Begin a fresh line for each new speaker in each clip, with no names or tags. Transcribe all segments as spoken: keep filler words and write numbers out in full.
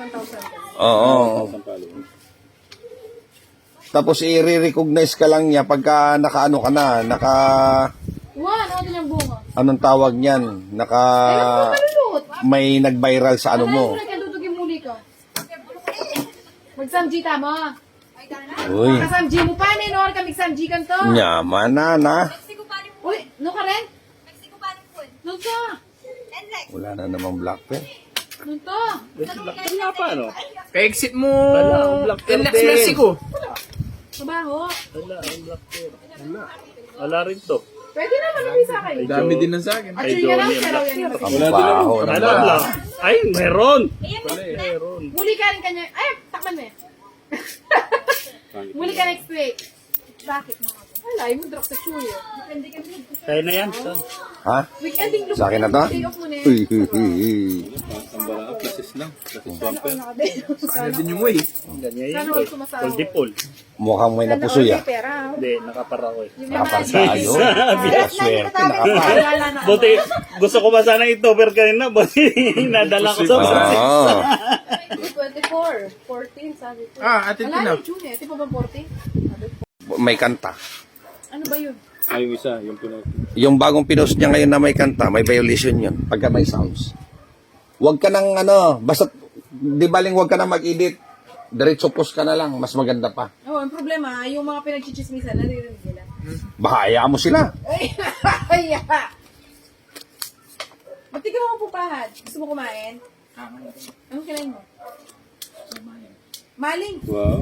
one thousand.
Oo. Tapos i-recognize ka lang niya pagka nakaano ka na, naka
One, ano din ang bunga?
anong tawag niyan? Naka
Ay, ako malulot.
may nag-viral sa ano mo.
Ano mo nagkadudugin muli ka? Mag-samji ta mo.
Uy,
Kasamji mo pa, ninor ka mag-samji kan to.
nyaman na na.
Uy, no ka rin? Nun to.
Wala na namang black pen.
Nun to.
Wala pa, ano?
Ka-exit mo.
Wala, Black
Relax
Pearl din.
Mexico.
Trabaho.
Wala, ang black pear. Wala. Wala rin to.
Pwede naman namin sa akin.
Dami din ng sa akin.
At yun yan lang,
Johnny,
pero
black
yan yung
Ang baho ng
Ano,
black.
black? Ay, meron. Meron.
Muli ka rin kanya. Ay, takman mo eh. Muli ka next week. Bakit mga? Wala, yung drop sa chuyo. Weekending kami.
Kaya na yan, son.
Ha?
Weekending look.
Sa akin na to?
Day off mo na
Uy,
yan.
uy, uy, uy.
Ang barang, plasis lang. Plasis bumper.
Sana din yung way.
Ganyan
Sana
yun.
huwag sumasahod.
Full dipol.
Mukhang may napusoy ah.
Pera.
Hindi, nakapara ko eh.
Nakaparsa ayun. Swerte, nakapar.
Buti, gusto ko ba sana i-tover kanina, buti nadala ko sa
Oo.
twenty-four. fourteen, sabi ko.
Ah, atin ko
Wala
na.
na, June eh. Ito pa ba fourteen?
May kanta.
Ano ba yun?
Ay, yung isa, yung pinag...
Yung bagong pinost niya ngayon na may kanta, may violation yun. Pagka may sounds. Huwag ka nang ano, basta, di baling huwag ka nang mag-edit. Diretso post ka na lang, mas maganda pa.
Oo, ang problema, yung mga pinagchichismisan, naririnig nila.
Baka hayaan mo sila.
Ay, ay, ba't di ka naman pupahad? Gusto mo kumain? Anong kinain mo? Maling.
Wow.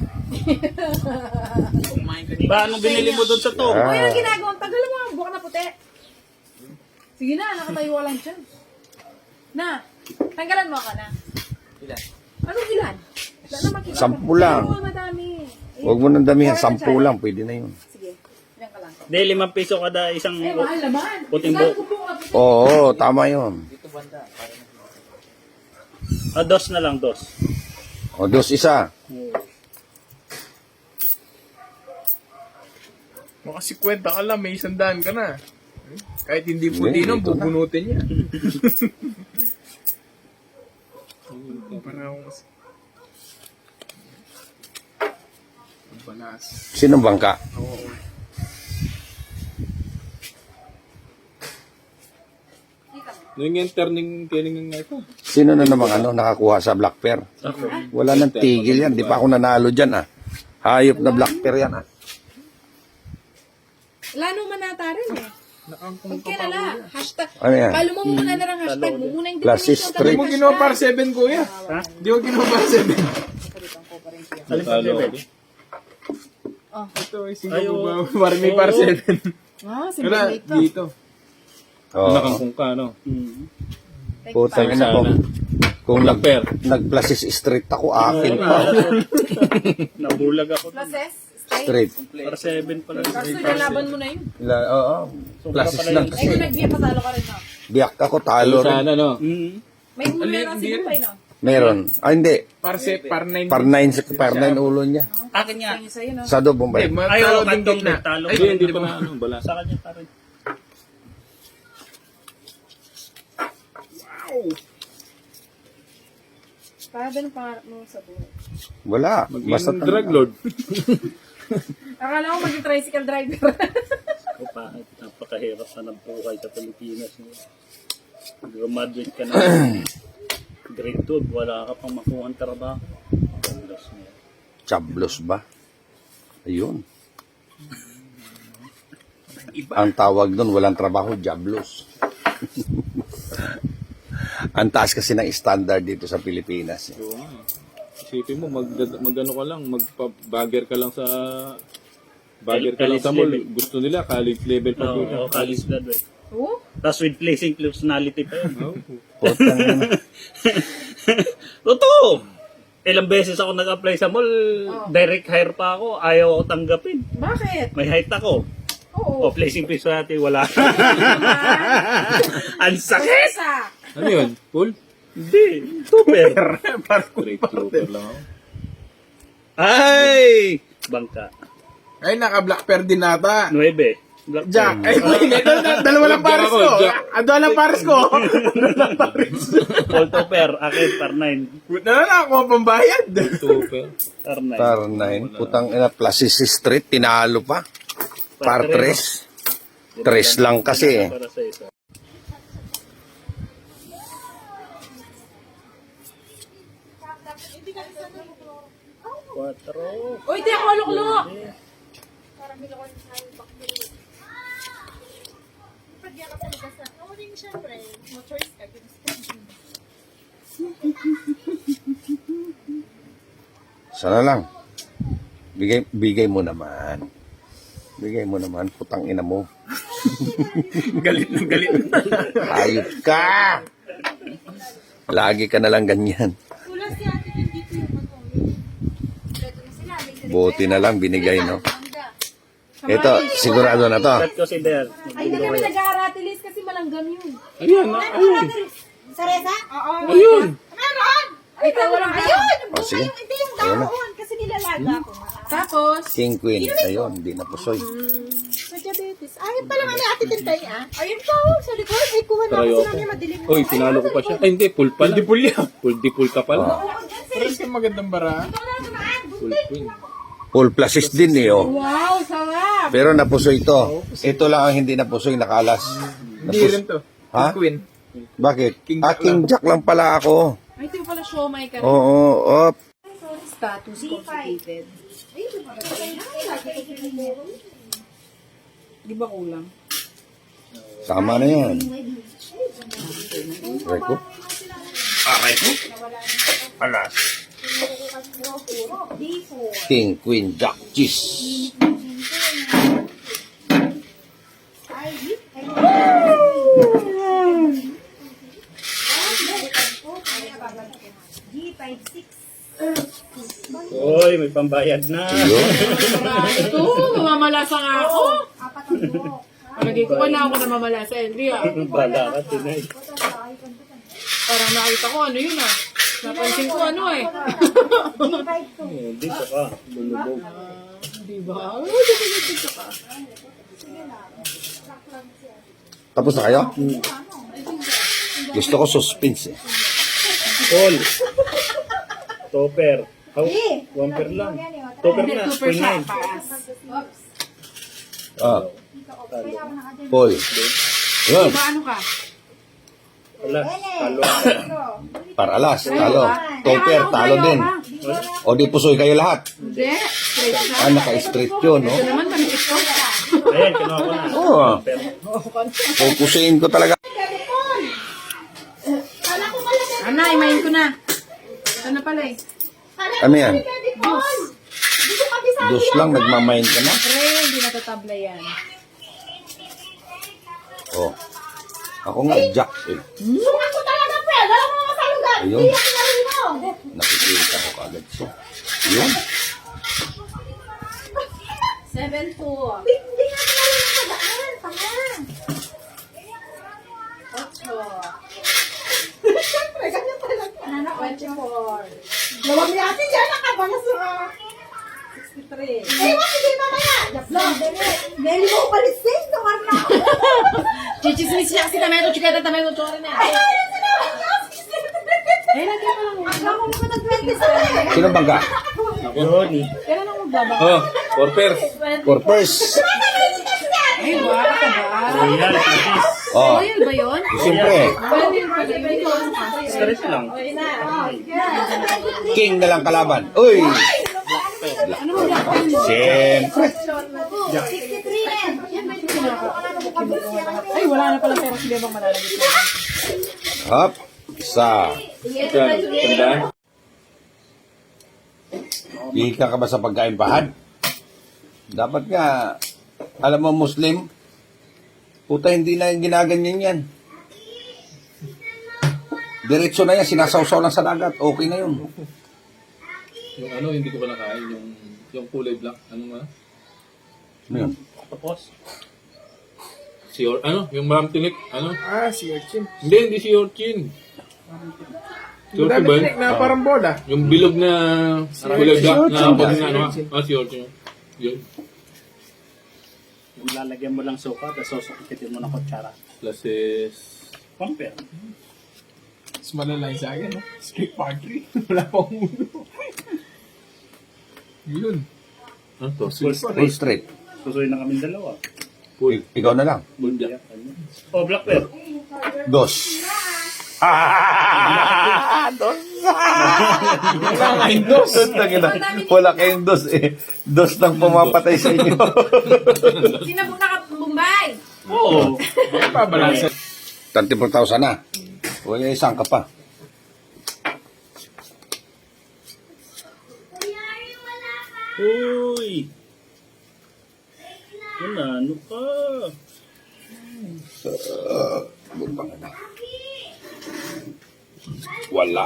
Ba, anong binili mo doon sa to?
Ah.
O yung ginagawa, tagal mo ang buhok na puti. Sige na, nakatayo ka lang dyan. Na, tanggalan mo ka na. Ilan? Anong ilan? Wala na makita.
Sampu lang.
Oo, madami.
Huwag mo nang damihan, sampu lang, pwede na yun.
Sige, ilan ka lang.
Hindi, limang piso kada isang...
Eh, mahal naman.
Puting
Saan
buhok.
ko buhok na puti?
Oo, tama yun.
Ah, dos na lang, dos.
O, dos isa.
Mga sikwenta ka lang, may isang daan ka na. Kahit hindi
Hindi,
puti nun,
dito na.
bubunutin niya. Parang mas... Ang balas.
Sinong bangka?
Oo.
Yung yung turning killing nga ito.
Sino na namang ano, nakakuha sa black pear? Wala nang tigil yan. Di pa ako nanalo dyan ah. Hayop na black pear yan ah.
Lalo manata rin eh.
Nakangkong
Huwag ka na lang. Hashtag.
Ano yan?
Palo mo muna na lang hashtag mo. Muna yung
Classy
definition.
street.
Hindi mo ginawa par seven, kuya.
Ha?
Hindi mo ginawa par seven.
Alin pa seven?
Ito ay
Ay,
single
oo.
ba? Parang may par
Oo.
seven.
Ah, si
Wala,
Blake ka.
dito.
Oo.
Nakangkong ka, no? Hmm.
Putang ina ko. Kung nag, nag-plasis street ako, akin pa.
Nabulag ako.
Classes?
Street.
Para seven pala.
Kaso nalaban mo na yun.
La, oo. Plasis lang
Ay,
kasi.
kung nag-biya patalo ka rin, no?
Biyak ako, talo rin.
Sana, no? Hmm.
May huli na
Hindi
si
rin.
Bupay, no?
Meron. Ah, hindi.
Par set, par nine.
Par nine, par nine ulo niya.
Akin nga.
Yung sa'yo, no?
Sa do, Bombay.
Hindi,
Ay,
matalo
oo,
din
kantong
gitna.
talo.
Ay,
Hindi
hindi
pa
pa.
na, ano, bala. Sa kanya pa rin.
Para din pangarap mo sa buhay.
Wala. Basta
Maging drug lord.
Akala ko maging tricycle driver.
O pa, napakahirap na ng buhay sa Pilipinas. Graduate ka na. Grade two, wala ka pang makuha ang trabaho. Paglas mo.
Chablos ba? Ayun. Ang tawag doon, walang trabaho, jablos. Ang taas kasi ng standard dito sa Pilipinas. Eh.
Oo nga. Isipin mo, mag, mag-ano ka lang, magpa-bagger ka lang sa... Bagger ka lang sa mall.
College level.
Gusto nila, college level pa
Oo,
po.
oh, college graduate.
Oo?
Tapos with placing personality pa yun.
Putang ina.
Totoo! Ilang beses ako nag-apply sa mall, direct hire pa ako, ayaw ako tanggapin.
Bakit?
May height ako.
Oo.
O placing personality, wala. Ang sakit!
Sa.
Ano yun? Full?
Hindi, super.
Great clover lang ako.
Ay! Bangka.
Ay, naka-black pair din nata.
Nuebe. Black
Jack.
pen.
Ay, ito, dalawa lang pares ko.
Jack.
Ah, dalawa lang pares ko. Dalawa lang pares.
Alto per, akin, per nine.
Dalawa lang ako pambayad.
Super.
Per nine.
Par nine. Putang ina, Plasis Street, tinalo pa. Par tres. Tres lang kasi eh.
Para sa isa. Quatro.
Uy, di ako lukluk.
Sana lang. Bigay, bigay mo naman. Bigay mo naman, putang ina mo.
Galit na galit.
Hayop ka! Lagi ka na lang ganyan. Buti na lang binigay, no? Ito, sigurado na to.
Set ko si Der.
Ay, hindi kami nag-aaratilis kasi malanggam yun.
Ayan, ah, ayun.
Saresa? Oo.
Ayun.
Meron!
Ay, ito walang
Ayun!
Oh, sige.
Hindi yung
Ayun na.
daon kasi nilalaga ko.
Tapos,
King Queen. Ayun, di na pusoy.
Sa diabetes. Ayun pala nga ni Ate Tintay ah. Ayun pa oh, sa likod. Ay, kuha na ako
Tarayo
sila niya madilim.
Uy, tinalo ko pa siya. Ay, hindi. Full pala.
Hindi pulya.
Full di full ka pala.
Pares ka magandang bara.
Full queen.
Full plasis din eh, oh.
wow, sarap!
Pero napusoy ito. Ito lang ang hindi napusoy, nakalas.
Hindi
Napus-
rin to.
Ha?
Queen.
Bakit?
King
Ah,
Jack
King Jack lang pala ako.
Ay, ito yung pala siomay ka.
Oo, op.
Status constipated. Di ba kulang?
Sama na yan. Reko. Aray ko. Alas. King, Queen, Jack, cheese.
G five six.
Uy, may pambayad na.
Yun.
Ito, mamamalasa nga ako.
Apat ang buhok.
Palagay ko wala ako na mamalasa. Hindi ah.
Bala ka, Tinay.
Parang nakita ko ano yun ah. Napansin ko ano eh.
G five two.
Oh, dito ka. Bulubog.
Di ba? Ay, dito dito ka.
Tapos na kayo? Gusto ko suspense eh.
Paul. Topper. How? One per lang. Topper
Hindi,
na.
super
Queen
siya.
nine.
Paas.
Ah. Paul. Yun.
Diba ano ka?
Wala. Talo ako.
Paralas, talo. Topper, talo din. O di pusoy kayo lahat.
Hindi. Straight siya.
Ah, naka-straight yun, no?
Ito naman kami ito.
Ayan, kinuha ko na.
Oo.
Topper.
Pupusuin ko talaga.
Ana, imayin ko na. Ito na pala eh.
Ano yan? Dos lang, nagmamain ka na.
Pre, hindi natatabla yan.
Oh. Ako nga, Jack eh.
Sukat ko talaga, pre. Wala mo mga salugan.
Ayun.
Hindi ako nalinaw.
Nakikita ko kagad siya. Yun.
seven two.
Hindi nga ako nalinaw sa daan. Tama.
ocho.
Siyempre, ganyan talaga.
twenty-four.
Lawag ni Ate dyan. Nakabalas na.
sixty-three.
Eh, wag hindi mamaya. Nelly mo palising. Tawar na ako.
Chichismis siya kasi tameto, chiketa, tameto, chore na.
Ay, ayun sila.
Eh, lagi pa lang.
Ako mo ka twenty-seven.
Sino bangga?
Johnny.
Kailan ako magbaba?
Oh, for pairs.
For first.
Ay, baka ka ba?
Royal. Patis.
Oh,
Oil ba yun?
siyempre.
Pwede yung pwede yung
Stress lang.
King na lang kalaban. Uy!
Ano mo black oil mo?
Siyempre.
sixty-three yan. Yan ba yung
Ay, wala na pala pera si Bebang malalagay ko.
Hop. Isa.
Yan, tandaan.
Hihika ka ba sa pagkain pahad? Dapat nga, alam mo Muslim, puta hindi na yung ginaganyan yan. Diretso na yan, sinasawsaw lang sa dagat. Okay na yun.
Yung ano, hindi ko pa nakain. Yung, yung kulay black. Ano nga?
Ano yun?
Tapos.
Si Or, ano? Yung maram tinik. Ano?
Ah, si Urchin.
Hindi, hindi si Orchin. Si Orchin
Dami
ba?
tinik na parang bola.
Yung bilog na kulay black na
Orchin.
pag na ano. Ah, si Orchin. Yun.
Lalagyan mo lang suka, tapos susukitin mo ng kutsara.
Plus is...
Compare.
Mas malalay sa akin, no? Street party. Wala pang ulo. Yun.
Ano to?
Full
Full
straight.
straight.
Susuyin na kami dalawa.
I- ikaw na lang.
Bulda.
Oh, black bear.
Dos. Dos.
Wala kayong dos.
Wala kayong dos eh. Dos lang pumapatay sa inyo.
Sino po naka-Bombay?
Oo.
Pabalansa.
thirty-four thousand na. Wala isang ka pa.
Uy! Ano, ano ka?
Butang na. Wala.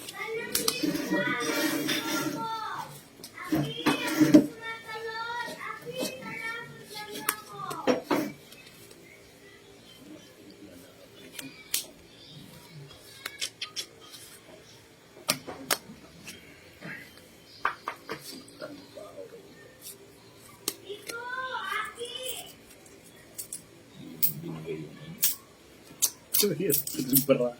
Bra.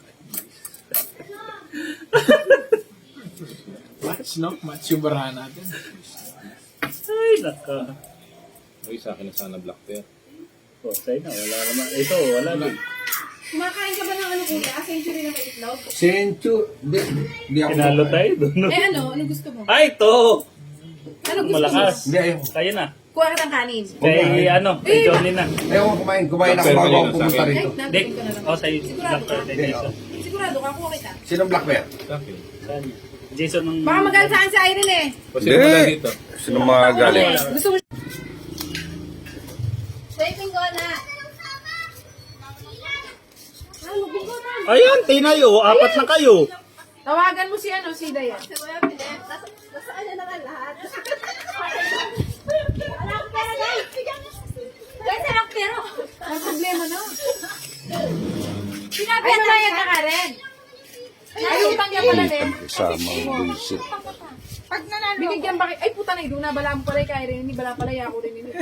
Match, no? Match yung barahan natin.
Ay, naka.
Uy, sa akin na sana black bear.
Oh, sa'yo na. Wala naman. Ito, wala din.
Kumakain ka ba ng ano kuya? Century na may itlog?
Senchu. Di, di ako.
Pinalo tayo doon.
Eh ano? Ano gusto mo?
Ay, ito!
Ano gusto
Malakas.
Hindi, ayoko.
Kaya na.
Kuha ka ng kanin.
Kay ano, kay Johnny na.
Ayoko kumain. Kumain ako
Pero
bago ako
kanina sa
pumunta
akin.
Ay,
rito.
Dick.
nandun ka na lang.
Oh, sa'yo.
Sigurado
Black
ka?
bear kay Jason.
Sigurado ka, kuha kita.
Sinong black bear?
Sa akin.
Saan? Jason ng...
Baka magalit sa akin si Irene eh.
Kasi wala dito.
Sinong mga galing?
Gusto mo
Swiping ko na.
Ayan, tinayo. Apat na kayo.
tawagan mo si ano, si Dayan.
Si Kuya Pinet, nasa, nasa ano na nga lahat. Wala akong pera, guys. Guys, wala akong pera.
Ang problema na.
Sinabi
Ay,
na
namayag ka ka rin. Ay, utang niya pala din.
Kasama ang bullshit.
Pag nanalo,
Binigyan ba kayo? Ay, puta na, doon na bala mo pala kay Irene. Hindi bala pala, ako rin ini.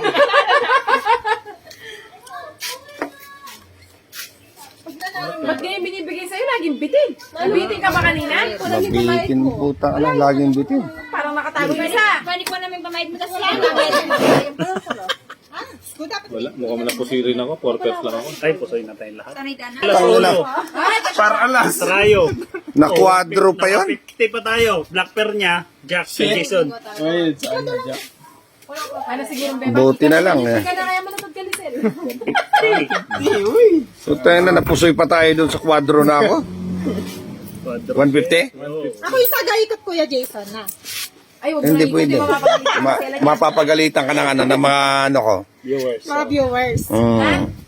pag nanalo,
Ba't ganyan binibigay sa'yo? Laging bitin. Nabitin ka ba kanina?
Mabitin puta. Ano, laging bitin.
Parang nakatago yung isa.
balik mo namin pamayad mo kasi yan. Pamayad mo Ha? Good dapat.
Wala. Mukhang napusirin ako. Four pairs lang ako.
Ay, pusoy na tayong lahat.
Sanay ka na.
Alas
Tangina.
ulo.
Para alas.
Trayo.
Na-quadro pa yun?
fifty pa tayo. Black pair niya. Jack kay Jason.
Wait, saan na dyan?
Ano siguro, Beba?
Buti na lang eh.
Hindi ka na kaya manatag ka, Lisel.
So tayo na, napusoy pa tayo dun sa kwadro na ako. one fifty?
Oo.
Ako yung taga-ikot, Kuya Jason, na.
Ay, huwag mo
Hindi
na ikot,
pwede.
di mapapagalitan.
Ma- mapapagalitan ka ng ano, ng mga ano ko.
Viewers.
Mga viewers.
Mm.